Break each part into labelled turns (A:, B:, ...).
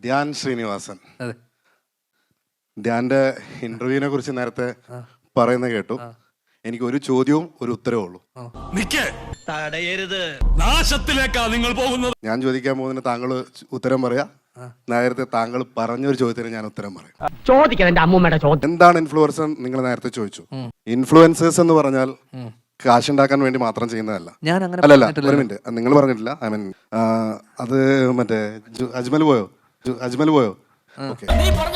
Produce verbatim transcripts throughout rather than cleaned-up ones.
A: ധ്യാൻ ശ്രീനിവാസൻ. ധ്യാന്റെ ഇന്റർവ്യൂവിനെ കുറിച്ച് നേരത്തെ പറയുന്ന കേട്ടു. എനിക്ക് ഒരു ചോദ്യവും ഒരു ഉത്തരവും ഉള്ളൂ.
B: നിങ്ങൾ പോകുന്നത്.
A: ഞാൻ ചോദിക്കാൻ പോകുന്നതിന് താങ്കൾ ഉത്തരം പറയാ. നേരത്തെ താങ്കൾ പറഞ്ഞൊരു ചോദ്യത്തിന് ഞാൻ ഉത്തരം പറയും. എന്താണ് ഇൻഫ്ലുവൻസർ? നിങ്ങൾ നേരത്തെ ചോദിച്ചു. ഇൻഫ്ലുവൻസേഴ്സ് എന്ന് പറഞ്ഞാൽ കാശുണ്ടാക്കാൻ വേണ്ടി മാത്രം ചെയ്യുന്നതല്ല. അല്ലല്ല, ഒരു മിനിറ്റ്, നിങ്ങൾ പറഞ്ഞിട്ടില്ല. ഐ മീൻ അത് മറ്റേ അജ്മൽ പോയോ അജ്മൽ പോയോ ഓക്കെ.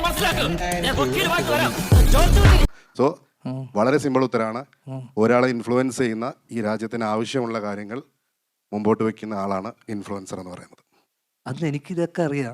A: സോ വളരെ സിമ്പിൾ ഉത്തരമാണ്. ഒരാളെ ഇൻഫ്ലുവൻസ് ചെയ്യുന്ന, ഈ രാജ്യത്തിന് ആവശ്യമുള്ള കാര്യങ്ങൾ മുമ്പോട്ട് വെക്കുന്ന ആളാണ് ഇൻഫ്ലുവൻസർ എന്ന് പറയുന്നത്.
C: അത് എനിക്കിതൊക്കെ അറിയാം.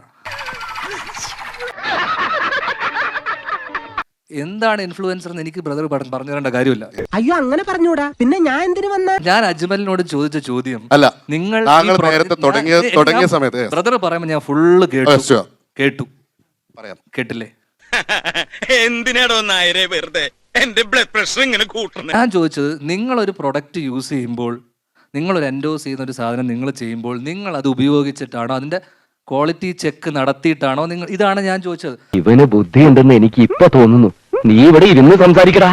C: എന്താണ് ഇൻഫ്ലുവൻസർ എന്ന് എനിക്ക് ബ്രദർ പറഞ്ഞു തരേണ്ട കാര്യമില്ല.
D: അയ്യോ, അങ്ങനെ പറഞ്ഞൂടാ. പിന്നെ ഞാൻ എന്തിനു വന്ന?
C: ഞാൻ അജ്മലിനോട് ചോദിച്ച ചോദ്യം
A: അല്ല,
C: നിങ്ങൾ
A: നേരത്തെ തുടങ്ങിയ തുടങ്ങിയ സമയത്ത്
C: ബ്രദർ പറയുമ്പോൾ ഞാൻ ഫുള്ള് കേട്ടു കേട്ടു പറയാം കേട്ടില്ലേ?
B: എന്തിനാടോ നായരെ വെറുതെ എന്റെ ബ്ലഡ് പ്രഷർ ഇങ്ങനെ കൂട്ടുന്നത്?
C: ഞാൻ ചോദിച്ചത്, നിങ്ങളൊരു പ്രൊഡക്റ്റ് യൂസ് ചെയ്യുമ്പോൾ, നിങ്ങളൊരു എൻഡോസ് ചെയ്യുന്ന ഒരു സാധനം നിങ്ങൾ ചെയ്യുമ്പോൾ, നിങ്ങൾ അത് ഉപയോഗിച്ചിട്ടാണോ, അതിന്റെ ക്വാളിറ്റി ചെക്ക് നടത്തിയിട്ടാണോ നിങ്ങൾ? ഇതാണ് ഞാൻ ചോദിച്ചത്.
E: ഇവന് ബുദ്ധി ഉണ്ടെന്ന് എനിക്ക് ഇപ്പൊ തോന്നുന്നു. നീ ഇവിടെ ഇരുന്ന് സംസാരിക്കടാ.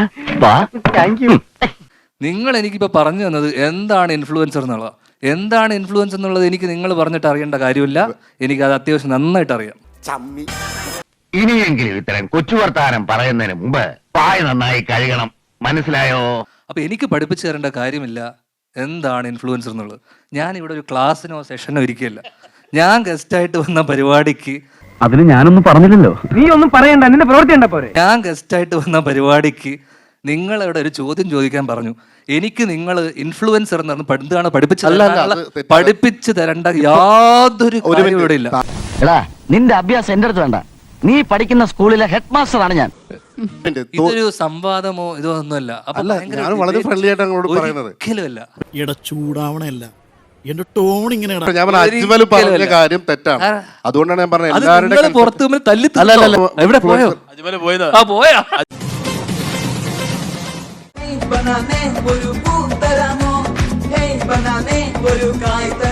C: നിങ്ങൾ എനിക്കിപ്പോ പറഞ്ഞു തന്നത് എന്താണ് ഇൻഫ്ലുവൻസർ എന്നുള്ളത്. എന്താണ് ഇൻഫ്ലുവൻസ് എന്നുള്ളത് എനിക്ക് നിങ്ങൾ പറഞ്ഞിട്ട് അറിയേണ്ട കാര്യമില്ല. എനിക്ക് അത് അത്യാവശ്യം നന്നായിട്ട് അറിയാം.
E: ഇനിയെങ്കിലും ഇത്തരം കൊച്ചു വർത്താനം പറയുന്നതിന് മുമ്പ് പായ നന്നായി കഴുകണം. മനസ്സിലായോ?
C: അപ്പൊ എനിക്ക് പഠിപ്പിച്ചു തരേണ്ട കാര്യമില്ല എന്താണ് ഇൻഫ്ലുവൻസർ എന്നുള്ളത്. ഞാൻ ഇവിടെ ഒരു ക്ലാസ്സിനോ സെഷനോ ഇരിക്കുകയല്ല. ഞാൻ ഗസ്റ്റായിട്ട് വന്ന പരിപാടിക്ക്
E: അതിന് ഞാനൊന്നും പറഞ്ഞില്ലല്ലോ.
D: നീ ഒന്നും പറയണ്ട, നിന്റെ പ്രവൃത്തി ഉണ്ട പോരെ.
C: ഞാൻ ഗസ്റ്റായിട്ട് വന്ന പരിപാടിക്ക് നിങ്ങൾ ഇവിടെ ഒരു ചോദ്യം ചോദിക്കാൻ പറഞ്ഞു. എനിക്ക് നിങ്ങൾ ഇൻഫ്ലുവൻസർ എന്ന് എന്താണ് പഠിപ്പിച്ചു പഠിപ്പിച്ചു തരേണ്ട യാതൊരു കാര്യവും ഇവിടെ ഇല്ല.
E: എടാ, നിന്റെ അഭ്യാസം എന്റെ അടുത്ത് വേണ്ട. നീ പഠിക്കുന്ന സ്കൂളിലെ ഹെഡ് മാസ്റ്റർ ആണ് ഞാൻ.
C: ഇതൊരു സംവാദമോ ഇതോ ഒന്നുമല്ല.
A: ഞാൻ വളരെ ഫ്രണ്ട്ലി ആയിട്ട് അങ്ങോട്ട് പറയുന്നത്.
C: ഒരിക്കലുമല്ല.
F: എടാ, ചൂടാവണല്ല, എന്റെ ടോൺ ഇങ്ങനെ.
A: ഞാൻ അജ്മൽ പറഞ്ഞ കാര്യം തെറ്റാണ്. അതുകൊണ്ടാണ് ഞാൻ പറഞ്ഞത് എല്ലാവരുടെ
C: പുറത്ത് തല്ലി. എവിടെ പോയോ
B: അജ്മൽ പോയതാ?
C: ആ പോയാ.
G: बनाने ഒരു പൂത്തരമോ, ഹേയ് बनाने ഒരു കായ്ത